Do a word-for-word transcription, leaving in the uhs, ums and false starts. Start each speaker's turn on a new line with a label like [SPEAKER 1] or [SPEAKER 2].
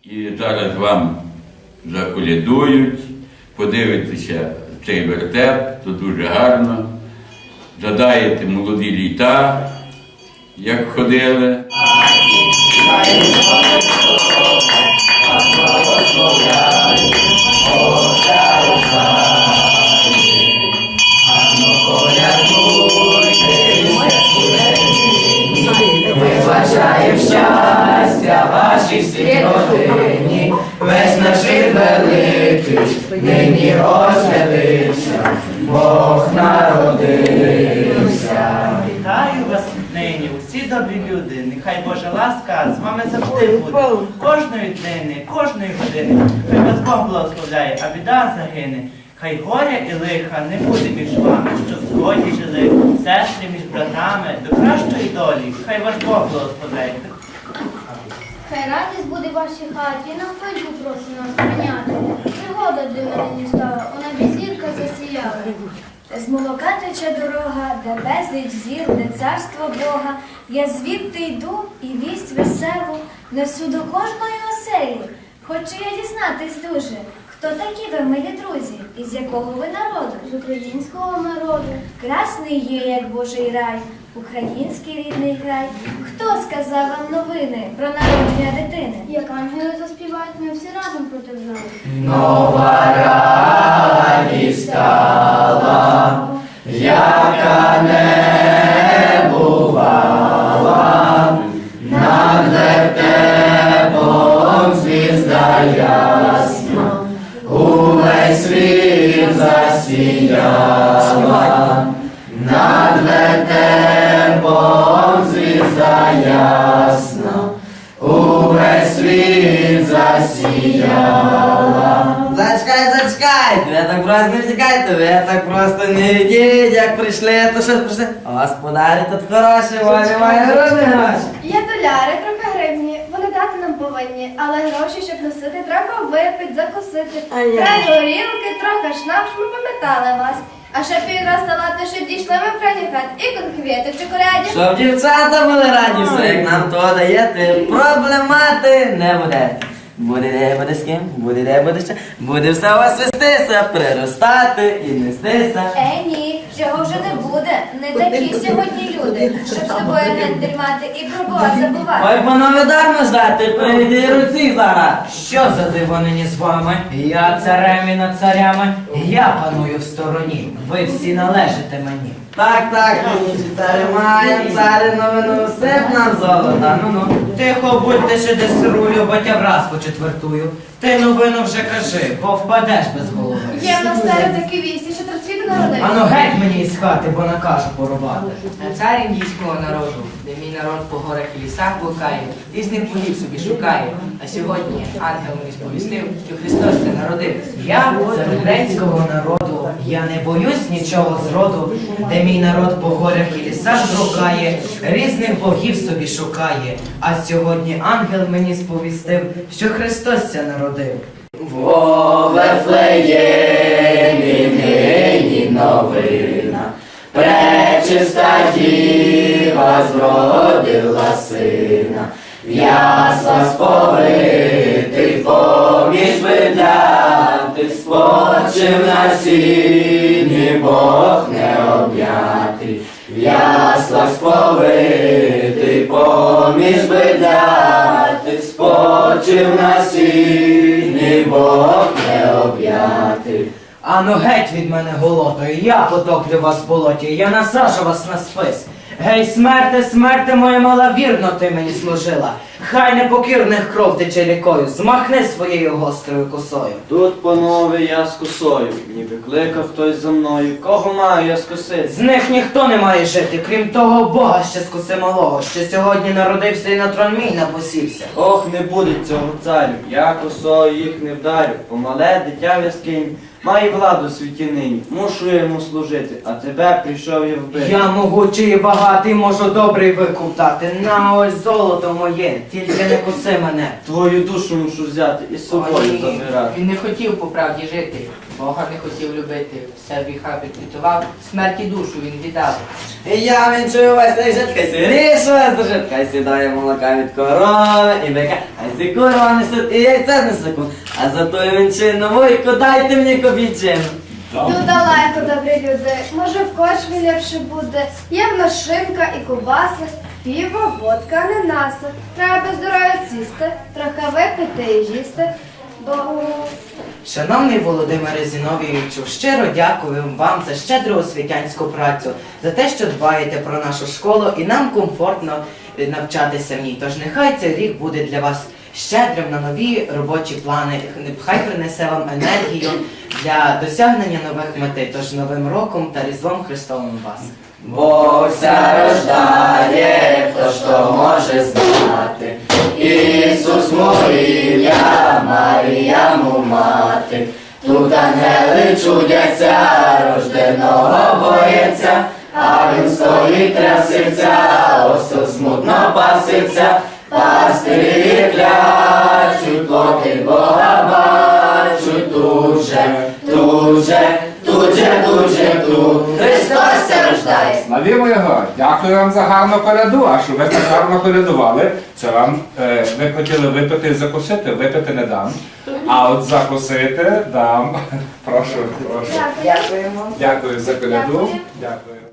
[SPEAKER 1] І зараз вам заколядують, подивитеся цей вертеп, то дуже гарно. Згадаєте молоді літа, як ходили.
[SPEAKER 2] Ми бажаємо щастя вашій всій родині, весь наш рід великий нині освятився, Бог народився.
[SPEAKER 3] Вітаю вас нині, усі добрі люди, нехай Божа ласка з вами завжди буде. Кожної днини, кожної години, хай вас Бог благословляє, а біда загине. Хай горя і лиха не буде між вами, щоб в згоді жили сестри між братами до кращої долі. Хай ваш Бог благословляє.
[SPEAKER 4] Хай радість буде в вашій хаті, на хвильку просить нас прийняти. Пригода для мене не стала, у небі зірка засіяла.
[SPEAKER 5] З молока тече дорога, де безліч зір, де царство Бога. Я звідти йду і вість веселу несу до кожної оселі. Хочу я дізнатись дуже, хто такі ви, милі друзі, і з якого ви народу?
[SPEAKER 4] З українського народу.
[SPEAKER 5] Красний є, як Божий рай, український рідний край. Хто сказав вам новини про народження дитини?
[SPEAKER 4] Як ангели заспівають, ми всі разом протержали.
[SPEAKER 2] Нова радість стала, яка не бувала, над вертепом звізда ясна, увесь світ засіяла, над вертепом звізда ясна, увесь світ засіяла.
[SPEAKER 6] Зачекайте, зачекайте, ви так просто не втікайте, ви так просто не йдіть, як прийшли, то що прийшли. Господарі тут хороші, вони мають гроші гроші.
[SPEAKER 7] Є доляри, трохи гривні, вони дати нам повинні, але гроші, щоб носити, треба випити, закусити. Треба горілки, трохи шнапс, ми пам'ятали вас. А ще півра салати, щоб дійшли ми в крайній хат, і конквіти в чоколяді.
[SPEAKER 6] Щоб дівчата були раді, все як нам то даєте, проблемати не буде. Буде де, буде з ким, буде де, буде ще, буде все у вас вестися, приростати і нестися.
[SPEAKER 5] Е, ні, цього вже не буде. Не такі сьогодні люди, щоб з тобою гендель мати і про Бога забувати.
[SPEAKER 6] Ой, панове, дармо ждати, прийди руці зараз. Що за диво нині з вами? Я царем і над царями, я паную в стороні, ви всі належите мені. Так, так, нині царі маєм, царі новину, сип нам золота, ну-ну. Тихо будьте, ще десь рулю, бо тя враз почетвертую. Ти новину вже кажи, бо впадеш без голови.
[SPEAKER 7] Є в нас старі такі вісті, що трицвіти народив.
[SPEAKER 6] Ану геть мені із хати, бо накажу порубати.
[SPEAKER 8] На цар індійського народу, де мій народ по горах і лісах блукає, різних богів собі шукає. А сьогодні ангел мені сповістив, що Христос це народив.
[SPEAKER 6] Я з грецького народу, я не боюсь нічого зроду, де мій народ по горах і лісах блукає, різних богів собі шукає. А сьогодні ангел мені сповістив, що Христос це народив.
[SPEAKER 2] Во Вифлеємі нині новина, пречиста діва зродила сина, в яслах сповитий поміж видляти, спочив на сіні Бог необ'ятий, в яслах сповитий поміж видляти, спочив на сіні Бог необ'ятий.
[SPEAKER 6] Ану геть від мене голотою, я потоплю вас в болоті, я насажу вас на спис. Гей, смерте, смерте моя мала, вірно ти мені служила. Хай непокірних кров тече рікою, змахни своєю гострою косою.
[SPEAKER 9] Тут, панове, я з косою, ніби кликав хтось за мною, кого маю я скосити?
[SPEAKER 6] З них ніхто не має жити, крім того Бога ще скуси малого, що сьогодні народився і на трон мій напосівся.
[SPEAKER 9] Ох, не буде цього царю, я косою їх не вдарю, помале дитя в яскині, Має владу в світі нині, мушу я йому служити, а тебе прийшов я вбити.
[SPEAKER 6] Я могучий і багатий, можу добрий викуп дати. На ось золото моє, тільки не коси мене.
[SPEAKER 9] Твою душу мушу взяти і з собою
[SPEAKER 8] Ой,
[SPEAKER 9] забирати.
[SPEAKER 8] Він не хотів по правді жити, Бога не хотів любити, все гріха підпитував, смерті душу він віддав.
[SPEAKER 2] Я вінчую вас на житка сирішу, вас до житка сідає молока від корова і бика, а ці корова несуть і яйця несуть. А за тою вінчину вуйку дайте мені копійчину.
[SPEAKER 7] Тут далеко, добрі люди, може в кошмі ліпше буде. Є в нас шинка і кубаси, піво, водка, ананаси. Треба здоров'я сісти, трохи випити і їсти, бо...
[SPEAKER 6] Шановний Володимире Зіновійовичу, щиро дякую вам за щедру освітянську працю, за те, що дбаєте про нашу школу і нам комфортно е, навчатися в ній. Тож нехай цей рік буде для вас щедрим на нові робочі плани, хай принесе вам енергію для досягнення нових мети. Тож Новим роком та Різдвом Христовим вас!
[SPEAKER 2] Бог ся рождає, хто ж то може знати. Ісус моїм'я, Марія му мати. Тут ангели чудяться, рожденого бояться, а він стоїть трясеться, осел смутно паситься. Пастирі клячуть, плоти Бога бачуть, тут же, тут же, тут же, тут же, тут. Христос се рождає.
[SPEAKER 10] Славімо Його! Дякую вам за гарну коляду, а що ви так гарно колядували, це вам, е, ви хотіли випити і закусити, випити не дам. А от закусити дам. Прошу, прошу.
[SPEAKER 7] Дякую.
[SPEAKER 6] Дякуємо.
[SPEAKER 10] Дякую за коляду.
[SPEAKER 7] Дякую.
[SPEAKER 10] Дякую.